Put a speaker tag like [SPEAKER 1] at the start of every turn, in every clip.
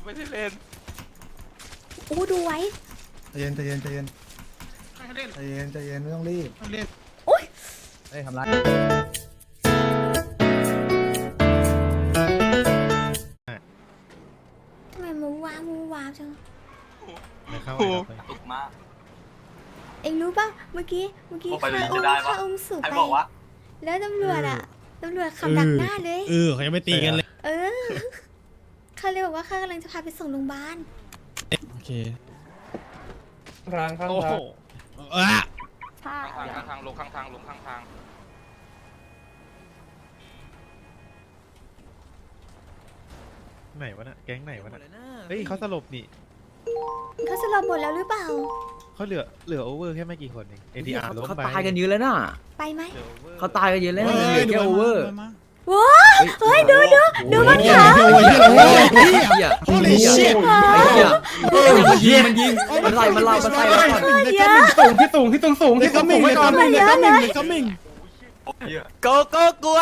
[SPEAKER 1] ไม่ได้เล่น
[SPEAKER 2] อู้ดูไว้
[SPEAKER 3] ใจเย็นใจเย็นใจเย็นใจเย็นใจเย็นไม่ต้องรีบ
[SPEAKER 2] อุ้ย
[SPEAKER 3] เฮ้ยทำไร
[SPEAKER 2] ทำไมมูวาจัง
[SPEAKER 4] ไม่เข้า
[SPEAKER 1] ตกมาก
[SPEAKER 2] เอ็งรู้ป่ะเมื่อกี้
[SPEAKER 1] ไปเลย
[SPEAKER 2] ข้า
[SPEAKER 1] จะได้ปะ
[SPEAKER 2] ข้าอุ้มสูบ
[SPEAKER 1] ใคร
[SPEAKER 2] ไป
[SPEAKER 1] บอกว่า
[SPEAKER 2] แล้วตำรวจขับดักหน้าเลย
[SPEAKER 4] เขายังไม่ตีกันเลย
[SPEAKER 2] เออเขาเลยบอกว่าข้ากำลังจะพาไปส่งโรงพยาบาล
[SPEAKER 4] โอเค
[SPEAKER 3] ข้างข้าง
[SPEAKER 4] โอ้โห
[SPEAKER 1] ข้างทางลงข้างทางลงข้างทาง
[SPEAKER 4] ไหนวะน่ะแก๊งไหนวะน่ะเฮ้ยเขาสลบนี่
[SPEAKER 2] เขาสลบหมดแล้วหรือเปล่า
[SPEAKER 4] เขาเหลือโอเวอร์แค่ไม่กี่คนเอง ATR ล้ม
[SPEAKER 5] เขา
[SPEAKER 4] ไป
[SPEAKER 5] ตายกันเยอะแล้วน่ะ
[SPEAKER 2] ไปไหม
[SPEAKER 4] เหลือ over
[SPEAKER 5] เขาตายกันเยอะแล้วเหลือแค่โอเวอร์
[SPEAKER 2] ว้าเฮ้ยดูมันขา
[SPEAKER 5] โอ้ยเหี้ย
[SPEAKER 3] Holy shit
[SPEAKER 5] ไอ้เหี้ยมันยิงมันไล่แล้วก่อน
[SPEAKER 2] เยอะ
[SPEAKER 3] พี่ตุ่งไว้ก่อน
[SPEAKER 2] เยอะเลย
[SPEAKER 5] โกโก้กลัว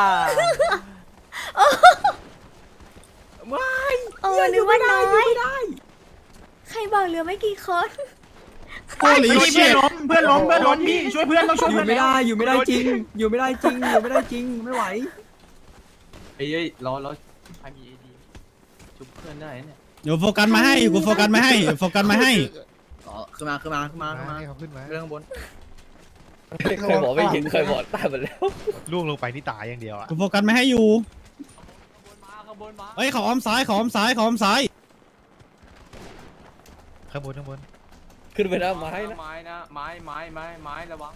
[SPEAKER 5] ไม่
[SPEAKER 2] โอ้นึกว่าน้อยใครบอกเหลือไม่กี่คน
[SPEAKER 3] Holy shit เพื่อนล้มพี่ช่วยเพื่อนต้องช่วย
[SPEAKER 5] อยู่
[SPEAKER 3] เพื่อน
[SPEAKER 5] ไม่ได้จริงไม่ไหวเอ้ยรอใครมีเอดีชุบเพื่อนได้เนี่ย
[SPEAKER 6] เดี๋ยวโฟกัสมาให้กูโฟกัสมาให้โฟกัสมาให้
[SPEAKER 5] อ๋อขึ้นมา
[SPEAKER 4] ให้เขาขึ้นมา
[SPEAKER 5] เรื่องบน
[SPEAKER 7] เคยบอกไม่ยิงเคยบอกตายหมดแล้ว
[SPEAKER 4] ล่วงลงไปนี่ตายอย่างเดียวอ่ะ
[SPEAKER 6] กูโฟกัสมาให้อยู่
[SPEAKER 5] ข้างบนมา
[SPEAKER 6] เฮ้ยเขาอ้อมซ้ายเขาอ้อมซ้ายเขาอ้อมซ้าย
[SPEAKER 4] ข้างบน
[SPEAKER 7] ขึ้นไปนะไม้นะ
[SPEAKER 5] ไม้นะไม้ระวัง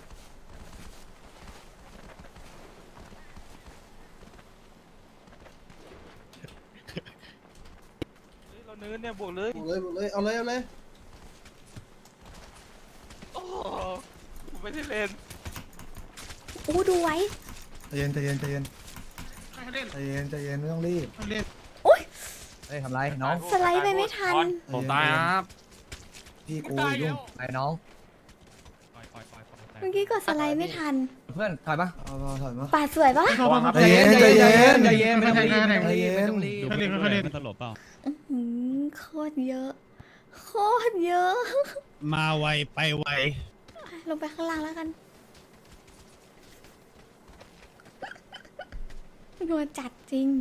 [SPEAKER 1] เราเนินเนี่ยบวกเลย
[SPEAKER 3] เอาเลย
[SPEAKER 1] โอ้ไม่ได้เล่น
[SPEAKER 2] อู้ดูไว้
[SPEAKER 3] ใจเย็นใจเย็นใจเย็นใจเย็นใจเย็นไม่ต้องรีบ
[SPEAKER 2] อุ้ย
[SPEAKER 3] เฮ้ยทำไรน้อง
[SPEAKER 2] สไลด์ไปไม่ทัน
[SPEAKER 3] ผมตายครับพี่กูยุ่งไอ้น้อง
[SPEAKER 2] เมื่อกี้กดสไลด์ไม่ทัน
[SPEAKER 5] เพื่อนถอยปะ
[SPEAKER 3] เอาถอยมา
[SPEAKER 2] ปาดสวยปะ
[SPEAKER 3] ใจเย็นใจเย็น
[SPEAKER 5] ใจเย็นไม่ต้องรีบ
[SPEAKER 3] ใจเย็น
[SPEAKER 6] ตลบเปล่า
[SPEAKER 2] โคตรเยอะ โคตรเยอะ
[SPEAKER 6] มาไวไปไว
[SPEAKER 2] ลงไปข้างล่างแล้วกันนัวจัดจริง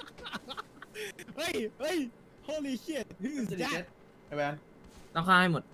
[SPEAKER 6] เฮ้ย holy shit who is that
[SPEAKER 3] ไอ้แวน
[SPEAKER 5] ต้องฆ่าให้หมด